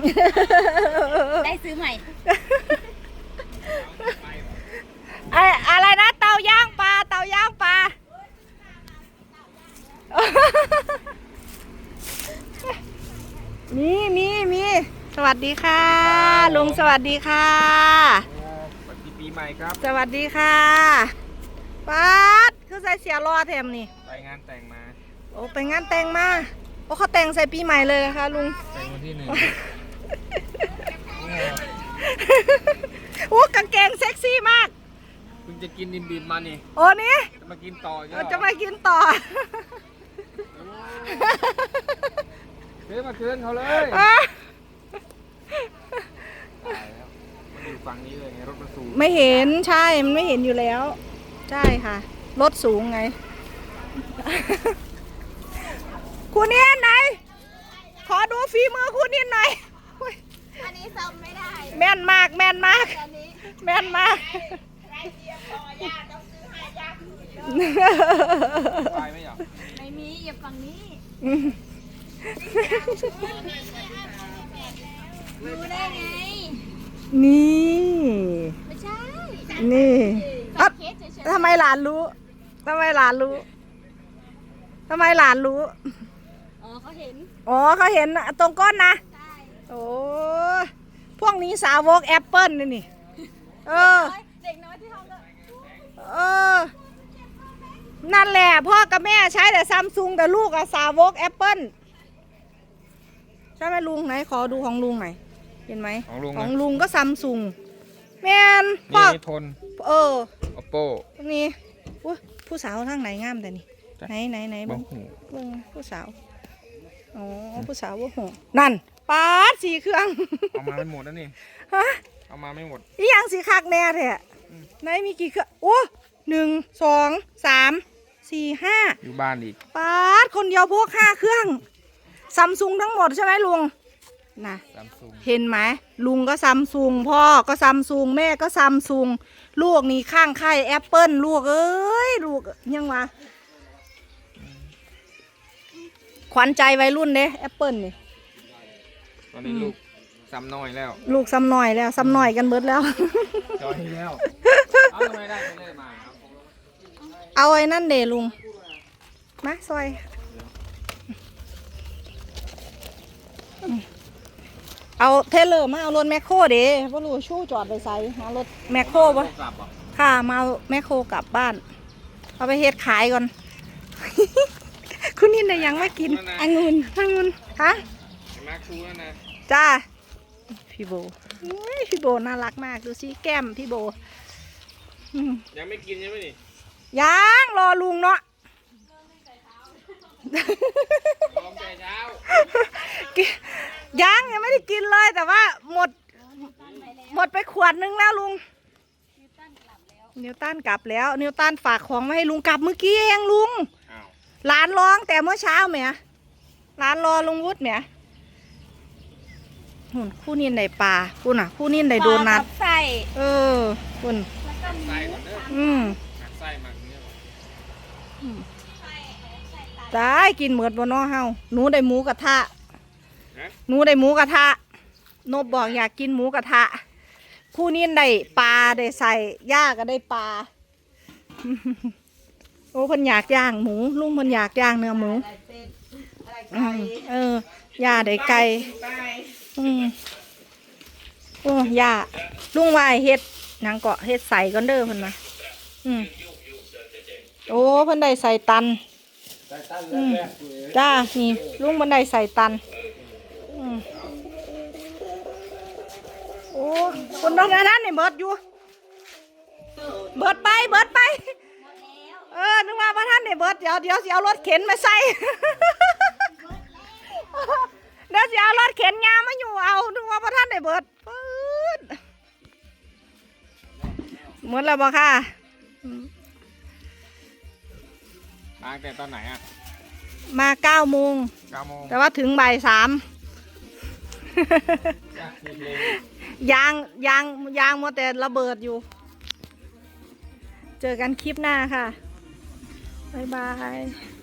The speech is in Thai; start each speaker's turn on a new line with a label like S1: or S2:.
S1: ได้ซื้อใหม่
S2: อะไรนะเตาย่างปลาเตาย่างปลามีสวัสดีค่ะลุงสวัสดีค่ะ
S3: สวัสดีปีใหม่ครับ
S2: สวัสดีค่ะป๊าดคือใส่เสียรอแถมนี่
S3: ไปงานแต่งมา
S2: โอ้ไปงานแต่งมาโอ้เขาแต่งใส่ปีใหม่เลยนะคะลุง
S3: แต่งวันที่1
S2: โอ้กางเกงเซ็กซี่มาก
S3: เพิ่งจะกินดิบๆมานี่
S2: โอ้นี่
S3: จะมากินต่อ
S2: จะมากินต่อ
S3: เฮ้ยมาคืนเขาเลยตายแล้วมันอยู่ฝั่งนี้เลยไงรถมันสูง
S2: ไม่เห็นใช่มันไม่เห็นอยู่แล้วใช่ค่ะรถสูงไงคุณเนียนไหนขอดูฝีมือคุณเนียนหน่อย
S1: อันนี้ซ้ำไม่ได้
S2: แม่นมากแม่นมากแม่นมาก
S3: ไปไม่หรอ
S1: ไม่มีอย่าฝั่งนี้รู้ได้ไง
S2: นี่
S1: ไม่ใช่
S2: นี่ทำไมหลานรู้ทำไมหลานรู้ทำไมหลานรู้
S1: อ๋อเขาเห็น
S2: ตรงก้นนะ
S1: ใช่
S2: โอ้พวกนี้สาวกแอปเปิ้ลนี่เ
S1: ด็กน้อยที่ห้อง
S2: ก็นั่นแหละพ่อกับแม่ใช้แต่ซัมซุงแต่ลูกอะสาวกแอปเปิ้ลใช่ไหมลุงไหนขอดูของลุงหน่อยเห็นไหมของลุงก็ซัมซุงแม่น
S3: พ่อทนOppo
S2: ตรงนี้ผู้สาวทางไหนงามแต่นี่ไหนบ้างผู้สาวอ๋อผู้สาวว่าหัวนั่นป๊าด4 เครื่อง
S3: เอามาไม่หมดนะนี่
S2: ฮะ
S3: เอามาไม่หมด
S2: นี่ยังสีคักแน่แท้ไหนมีกี่เครื่องโอ้1 2 3 4 5
S3: อยู่บ้านอีก
S2: ป๊าดคนเดียวพวก5 เครื่องซัมซุงทั้งหมดใช่ไหมลุงนะเห็นไหมลุงก็ซัมซุงพ่อก็ซัมซุงแม่ก็ซัมซุงลูกนี่ข้างไข่แอปเปิ้ลลูกเอ้ยลูกยังวะขวัญใจวัยรุ่นเด้แอปเปิ้ลนี่
S3: ตอนนี้ลูกซ้ำน้อยแล้ว
S2: ลูกซ้ำน้อยแล้วซ้ำน้อยกันเบิดแล้ว
S3: จอยแล้วเอาทำไมได้ไปเลยมา
S2: เอาไอ้นั่นเดลุงมาซอยเอาเทเลอร์มาเอารถแมคโครเด้พ่อรู้ชู้จอดไปใส่หารถแมคโครปะค่ะมาเอาแมคโครกลับบ้านเอาไปเฮ็ดขายก่อนคุณนินได้ยังไม่กินองุ่นฮะ
S3: มาชูแล้วนะ
S2: จ้าพี่โบพี่โบน่ารักมากดูสิแก้มพี่โบ
S3: ยังไม่กินใช่ไหมนี่
S2: ยังรอลุงเนาะ
S3: รอแต่เช้า
S2: ยังไม่ได้กินเลยแต่ว่าหมดไปขวดนึงแล้วลุงนิวตันกลับแล้วนิวตันฝากของมาให้ลุงกลับเมื่อกี้เองลุงหลานร้องแต่เมื่อเช้าแหมหลานรอลุงวุฒิแหมหุ่นคู่นินได้ปลาคุณอ่ะคู่นินได้โดนัท
S1: ใส่
S2: คุณ
S3: ใส่ก่อนเด้อใส่มาเนี้ย
S2: ได้กินเหมือนบนนอเฮาหนูได้หมูกระทะนบบอกอยากกินหมูกระทะคู่นินได้ปลาได้ใส่ย่าก็ได้ปลาโอ้เพิ่นอยากย่างหมูลุงเพิ่นอยากย่างเนื้อหมูย่าได้ไก่โอ้ย่าลุงวายเฮ็ดนางเกาะเฮ็ดใส่ก่อนเด้อเพิ่นมาโอ้เพิ่นได้ใส่ตันจ้านี่ลุงเพิ่นได้ใส่ตันโอ้คนนั้นนี่เบิดอยู่เบิดไปนึกว่าพระท่านเนี่ยเบิดเดี๋ยวสิเอารถเข็นมาใส่เดี๋ยวสิเอารถเข็นงามาอยู่เอานึกว่าพระท่านเนี่ยเบิดหมดแล้วบ่ค่ะ
S3: มาแต่ตอนไหนอ่ะ
S2: มา9 โมงแต่ว่าถึงบ่าย 3ยางมัวแต่ระเบิดอยู่เจอกันคลิปหน้าค่ะบ๊ายบาย